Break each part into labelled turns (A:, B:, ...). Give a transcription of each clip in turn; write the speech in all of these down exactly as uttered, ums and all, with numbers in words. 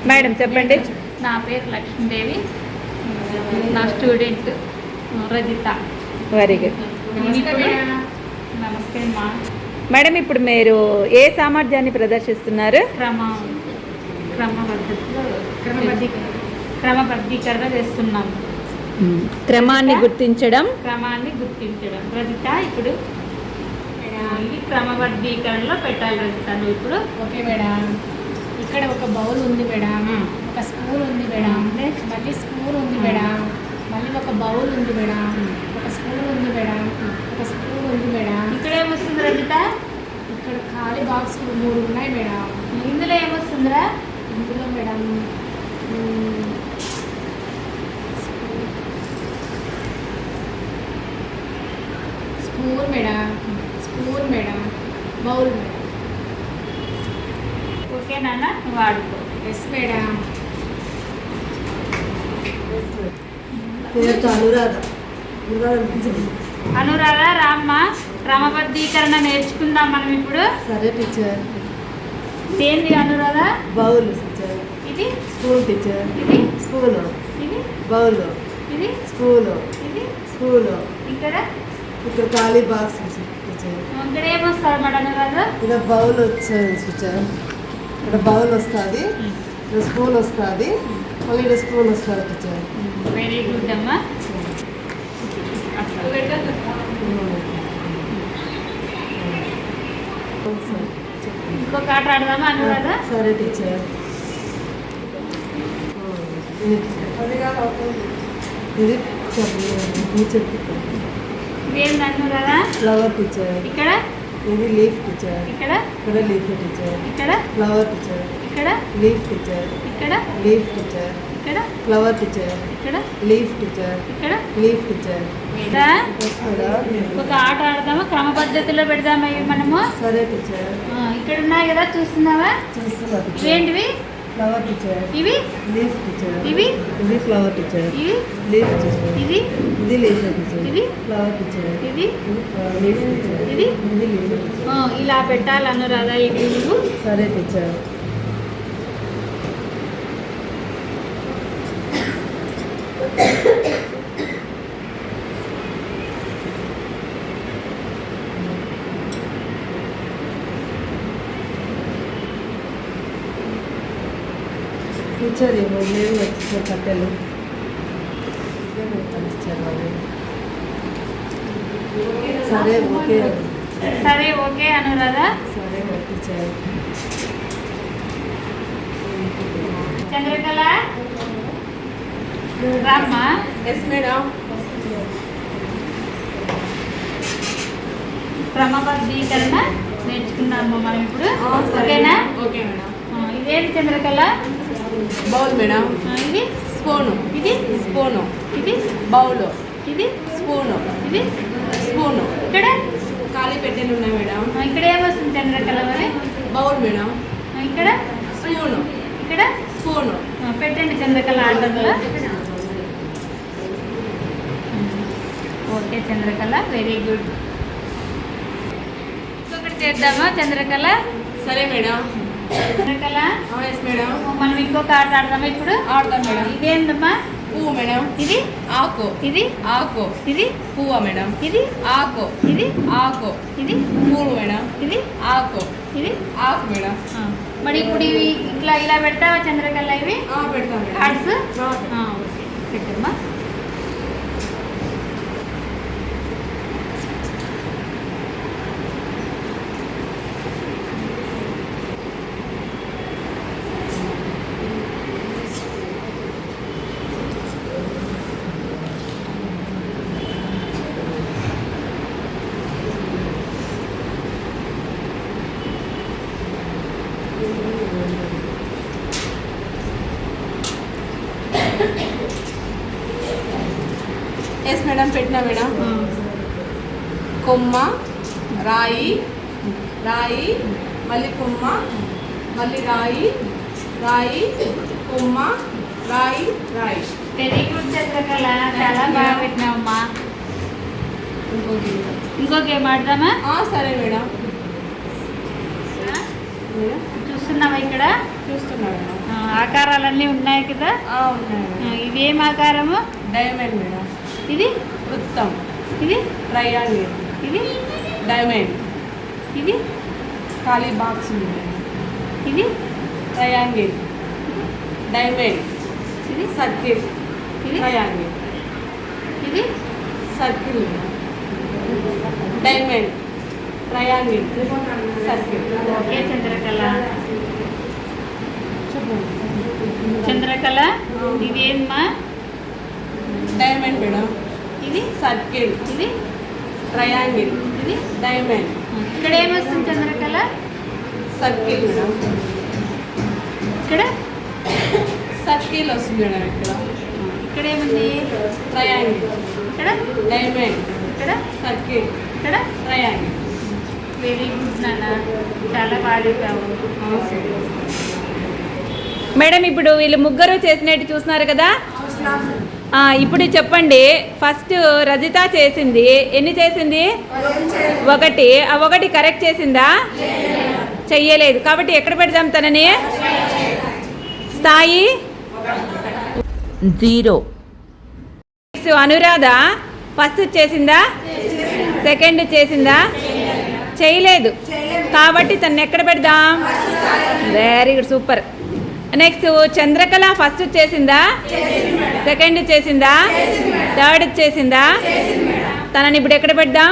A: Madam చెప్పండి.
B: నా పేరు లక్ష్మీదేవి, నా స్టూడెంట్ రజిత.
A: Very good.
B: నమస్తే అమ్మా.
A: మేడం ఇప్పుడు మీరు ఏ సామర్థ్యాన్ని ప్రదర్శిస్తున్నారు?
B: క్రమ క్రమబద్ధతలో క్రమబద్ధీకరణ చేస్తున్నాము.
A: క్రమాన్ని గుర్తించడం
B: క్రమాన్ని గుర్తించడం రజిత ఇప్పుడు ఇది క్రమబద్ధీకరణలో పెట్టాలి రజిత. నువ్వు ఇప్పుడు
C: ఓకే మేడం. ఇక్కడ ఒక బౌల్ ఉంది మేడం, ఒక స్పూన్ ఉంది మేడం, నెక్స్ట్ మళ్ళీ స్పూన్ ఉంది మేడం, మళ్ళీ ఒక బౌల్ ఉంది మేడం, ఒక స్పూన్ ఉంది మేడం, ఒక స్పూన్ ఉంది మేడం.
B: ఇక్కడ ఏమొస్తుంది రజిత?
C: ఇక్కడ ఖాళీ బాక్స్ మూడు ఉన్నాయి మేడం.
B: ఇందులో ఏమొస్తుందిరా?
C: ఇందులో madam spoon madam, spoon madam, bowl madam.
B: Okay నాన్న, నువ్వు ఆడుకో.
C: Yes madam.
B: అనురాధ రామ్మ, క్రమబద్ధీకరణ నేర్చుకుందాం మనం ఇప్పుడు.
D: సరే టీచర్.
B: ఏంది అనురాధ?
D: Bowl teacher.
B: ఇది
D: స్పూన్ టీచర్.
B: ఇది
D: స్పూన్.
B: ఇది
D: బౌల్.
B: ఇది
D: స్పూన్.
B: ఇది
D: స్పూన్.
B: ఇక్కడ
D: ఇక్కడ ఖాళీ బాక్స్ టీచర్.
B: ఇక్కడ ఏమొస్తారు మేడం అనురాధ?
D: ఇక్కడ బౌల్ వచ్చేది టీచర్. ఇక్కడ బౌల్ వస్తుంది, ఇక్కడ స్పూన్ వస్తుంది, మళ్ళీ ఇక్కడ స్పూన్ వస్తుంది టీచర్.
B: వెరీ గుడ్ అమ్మా. ఇంకొక ఆట ఆడదామా అనురాధ?
D: సరే టీచర్. ఇది టీచర్
B: ఇదేంది అనురాధ?
D: Flower teacher.
B: ఇక్కడ
D: ఇది లీఫ్ టీచర్.
B: ఇక్కడ
D: ఇక్కడ లీఫ్ టీచర్.
B: ఇక్కడ
D: ఫ్లవర్ టీచర్.
B: ఇక్కడ
D: లీఫ్ టీచర్.
B: ఇక్కడ
D: లీఫ్ టీచర్.
B: ఇక్కడ
D: ఫ్లవర్ టీచర్.
B: ఇక్కడ
D: లీఫ్ టీచర్.
B: ఇక్కడ
D: లీఫ్ టీచర్.
B: రా. ఒక ఆట ఆడదామా? క్రమ పద్ధతిలో పెడదామా ఇవి మనము?
D: సరే టీచర్.
B: ఆ, ఇక్కడ ఉన్నాయి కదా, చూస్తున్నావా?
D: చూస్తున్నా టీచర్.
B: ఇవేంటివి?
D: Flower teacher.
B: ఇవి
D: లీఫ్ టీచర్.
B: ఇవి
D: ఇది ఫ్లవర్ టీచర్.
B: ఇవి
D: లీఫ్ టీచర్.
B: ఇది
D: ఇది లీఫ్ టీచర్.
B: ఇది
D: ఫ్లవర్ టీచర్.
B: ఇది
D: లీఫ్ టీచర్.
B: ఇది
D: ఇది లీఫ్ టీచర్.
B: ఆ, ఇలా పెట్టాలి అనురాధ ఇవి నువ్వు.
D: సరే టీచర్. టీచర్ ఏమో లేవు టీచర్ కట్టెలు. టీచర్ వాళ్ళు. సరే ఓకే.
B: సరే ఓకే అనురాధ.
D: సరే టీచర్.
B: చంద్రకళ రామ్మా.
D: Yes madam.
B: క్రమబద్ధీకరణ నేర్చుకున్నాము మనం ఇప్పుడు.
D: సరే.
B: ఓకేనా?
D: Okay madam.
B: ఆ, ఇదేంటి చంద్రకళ?
D: Bowl madam.
B: ఆ, ఇది
D: స్పూను.
B: ఇది
D: స్పూను.
B: ఇది
D: బౌల్.
B: ఇది
D: స్పూను.
B: ఇది
D: స్పూను.
B: ఇక్కడ
D: ఖాళీ పెట్టెలు ఉన్నాయి మేడం.
B: ఆ, ఇక్కడ ఏమొస్తుంది చంద్రకళ మరి?
D: Bowl madam.
B: ఆ, ఇక్కడ
D: స్పూను.
B: ఇక్కడ
D: స్పూను.
B: ఆ, పెట్టండి చంద్రకళ ఆర్డర్లో. Okay Chandrakala, very good. ఇంకొకటి చేద్దామా చంద్రకళ?
D: సరే మేడం.
B: Chandrakala
D: yes madam.
B: మనం ఇంకొక ఆట ఆడదామా ఇప్పుడు?
D: ఆడతాం మేడం.
B: ఇదేందమ్మా?
D: పువ్వు మేడం.
B: ఇది
D: ఆకు.
B: ఇది
D: ఆకు.
B: ఇది
D: పువ్వు మేడం.
B: ఇది
D: ఆకు.
B: ఇది
D: ఆకు.
B: ఇది
D: పూలు మేడం.
B: ఇది
D: ఆకు.
B: ఇది
D: ఆకు మేడం.
B: ఆ, మరి ఇప్పుడు ఇవి ఇట్లా ఇలా పెడతావా చంద్రకళ? ఇవి
D: ఆ, పెడతాం మేడం.
B: కార్డ్స్
D: ఆ,
B: ఓకే పెట్టమ్మా.
D: ఎస్ మేడం, పెట్టినా మేడం. కొమ్మ, రాయి, రాయి, మళ్ళీ కొమ్మ, మళ్ళీ రాయి, రాయి, కొమ్మ, రాయి, రాయి.
B: వెరీ గుడ్ చంద్రకళ, చాలా బాగా పెట్టినావమ్మా. ఇంకో గేమ్ ఆడదామా?
D: సరే మేడం.
B: చూడు చూస్తున్నావా ఇక్కడ
C: చూస్తున్నారు మేడం.
B: ఆ, ఆకారాలన్నీ ఉన్నాయి కదా.
C: ఆ, ఉన్నాయి
B: ఆ,
C: మేడం.
B: ఇది ఏం ఆకారము?
C: Diamond madam.
B: ఇది
C: వృత్తం,
B: ఇది
C: ట్రయాంగిల్,
B: ఇది
C: డైమండ్,
B: ఇది
C: ఖాళీ బాక్స్ ఉంది మేడం.
B: ఇది
C: ట్రయాంగిల్, డైమండ్,
B: ఇది
C: సర్కిల్,
B: ఇది
C: ట్రయాంగిల్,
B: ఇది
C: circle, diamond, triangle, circle.
B: Okay Chandrakala.
C: చెప్పండి.
B: చంద్రకళ ఇది ఏమ్మా?
C: Diamond madam.
B: ఇది
C: సర్కిల్,
B: ఇది
C: ట్రయాంగిల్,
B: ఇది
C: డైమండ్,
B: ఇక్కడ ఏమొస్తుంది చంద్రకళ?
C: Circle madam.
B: ఇక్కడ
C: సర్కిల్ వస్తుంది మేడం. ఇక్కడ
B: ఇక్కడ ఏముంది?
C: ట్రయాంగిల్,
B: ఇక్కడ
C: డైమండ్,
B: ఇక్కడ
C: సర్కిల్,
B: ఇక్కడ
C: ట్రయాంగిల్.
B: వెరీ గుడ్ నాన్న, చాలా బాగా చెప్పావు.
A: మేడం ఇప్పుడు వీళ్ళు ముగ్గురు చేసినట్టు చూస్తున్నారు కదా. ఆ, ఇప్పుడు చెప్పండి, ఫస్ట్ రజిత చేసింది ఎన్ని చేసింది? ఒకటి. ఆ ఒకటి కరెక్ట్ చేసిందా? చెయ్యలేదు. కాబట్టి ఎక్కడ పెడదాం తనని? స్థాయి జీరో. అనురాధ ఫస్ట్ చేసిందా? సెకండ్ చేసిందా? చేయలేదు. కాబట్టి తను ఎక్కడ పెడదాం? Very good, super. Next Chandrakala first చేసిందా? సెకండ్ చేసిందా? థర్డ్ చేసిందా? తనని ఇప్పుడు ఎక్కడ పెడదాం?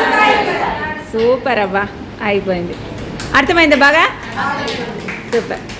A: సూపర్ అవ్వా, అయిపోయింది. అర్థమైందా బాగా? సూపర్.